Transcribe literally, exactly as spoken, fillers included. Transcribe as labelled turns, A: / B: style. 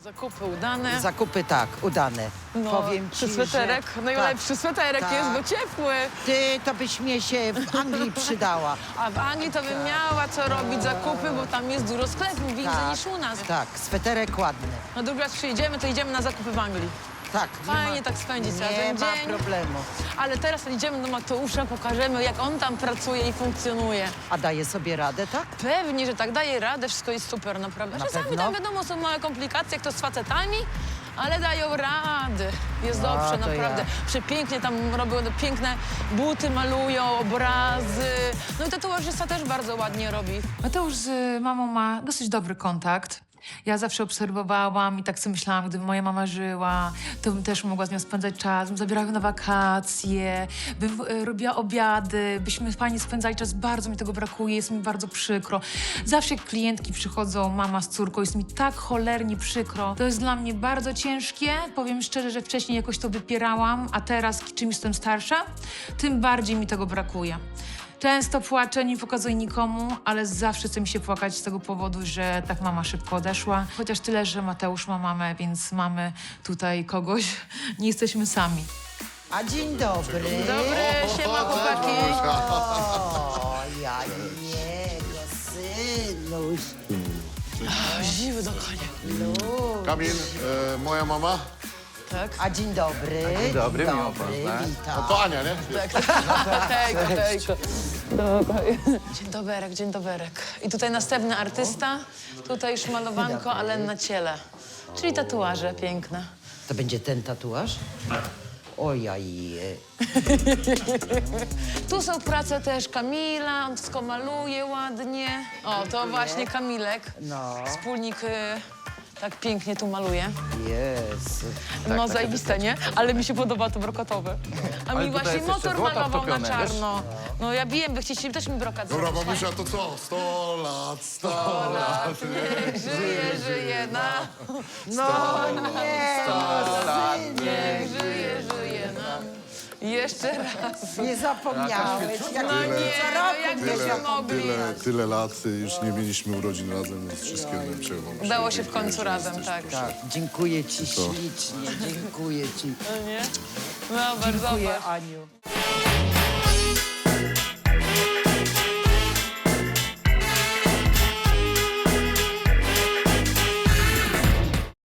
A: Zakupy udane.
B: Zakupy tak, udane.
A: No,
B: Powiem ci,
A: sweterek,
B: że...
A: najlepszy
B: tak,
A: sweterek
B: tak.
A: jest, bo ciepły.
B: Ty, to byś mnie się w Anglii przydała.
A: A w Anglii to bym miała co robić zakupy, bo tam jest dużo sklepów, więcej
B: Tak,
A: niż u nas.
B: tak, sweterek ładny.
A: No drugi raz przyjedziemy, to idziemy na zakupy w Anglii.
B: Tak. nie
A: Fajnie
B: ma-
A: tak spędzić
B: Nie
A: razem
B: ma
A: dzień.
B: problemu.
A: Ale teraz idziemy do Mateusza, pokażemy, jak on tam pracuje i funkcjonuje.
B: A daje sobie radę, tak?
A: Pewnie, że tak daje radę, wszystko jest super, naprawdę.
B: Na
A: Czasami
B: pewno?
A: tam wiadomo, są małe komplikacje, jak to z facetami, ale dają rady. Jest
B: No,
A: dobrze,
B: to
A: naprawdę.
B: ja.
A: Przepięknie tam robią piękne buty, malują, obrazy. No i tatuażysta też bardzo ładnie robi.
C: Mateusz z mamą ma dosyć dobry kontakt. Ja zawsze obserwowałam i tak sobie myślałam, gdyby moja mama żyła, to bym też mogła z nią spędzać czas, bym zabierała ją na wakacje, bym e, robiła obiady, byśmy fajnie spędzali czas. Bardzo mi tego brakuje, jest mi bardzo przykro. Zawsze jak klientki przychodzą, mama z córką, jest mi tak cholernie przykro. To jest dla mnie bardzo ciężkie. Powiem szczerze, że wcześniej jakoś to wypierałam, a teraz, czym jestem starsza, tym bardziej mi tego brakuje. Często płaczę, nie pokazuję nikomu, ale zawsze chce mi się płakać z tego powodu, że tak mama szybko odeszła. Chociaż tyle, że Mateusz ma mamę, więc mamy tutaj kogoś. Nie jesteśmy sami.
B: A dzień dobry.
A: Dobry, siema chłopaki.
B: O, ja jego synuś.
A: Ziwy do konia.
D: Kamil, e, moja mama.
A: Tak?
B: A dzień dobry.
E: Dzień dobry, miło poznać.
B: witam.
D: To Ania, nie?
A: Hejko, hejko. Dzień doberek, dzień doberek. I tutaj następny artysta. Tutaj już malowanko, ale na ciele. Czyli tatuaże piękne.
B: To będzie ten tatuaż? Ojaj.
A: Tu są prace też Kamila, on wszystko maluje ładnie. O, to właśnie Kamilek.
B: No.
A: Wspólnik y, tak pięknie tu maluje.
B: Jezu.
A: No zajebiste, nie? Ale mi się podoba to brokatowe. A
E: Ale
A: mi
E: tutaj
A: właśnie
E: jest jeszcze
A: motor
E: złoto
A: malował na
E: wtopione,
A: czarno. No ja bijem, by chcieli też mi brokat
D: Dobra,
A: zrobić.
D: mamusia, to co? Sto lat, sto lat.
A: Niech żyje, żyje na...
B: No nie,
A: Niech żyje, żyje nam. Jeszcze raz.
B: nie zapomniałeś. Jak
A: No nie, no jak byśmy mogli.
D: Tyle, tyle lat y, już nie mieliśmy urodzin razem, więc wszystkiego najlepszego. mamusia.
A: Udało się w
D: Dziękuję,
A: końcu
D: że
A: razem,
D: jesteś,
A: tak.
D: proszę.
B: Tak, dziękuję ci ślicznie, dziękuję ci.
A: No nie? Zobacz,
B: Dziękuję,
A: zobacz.
B: Aniu.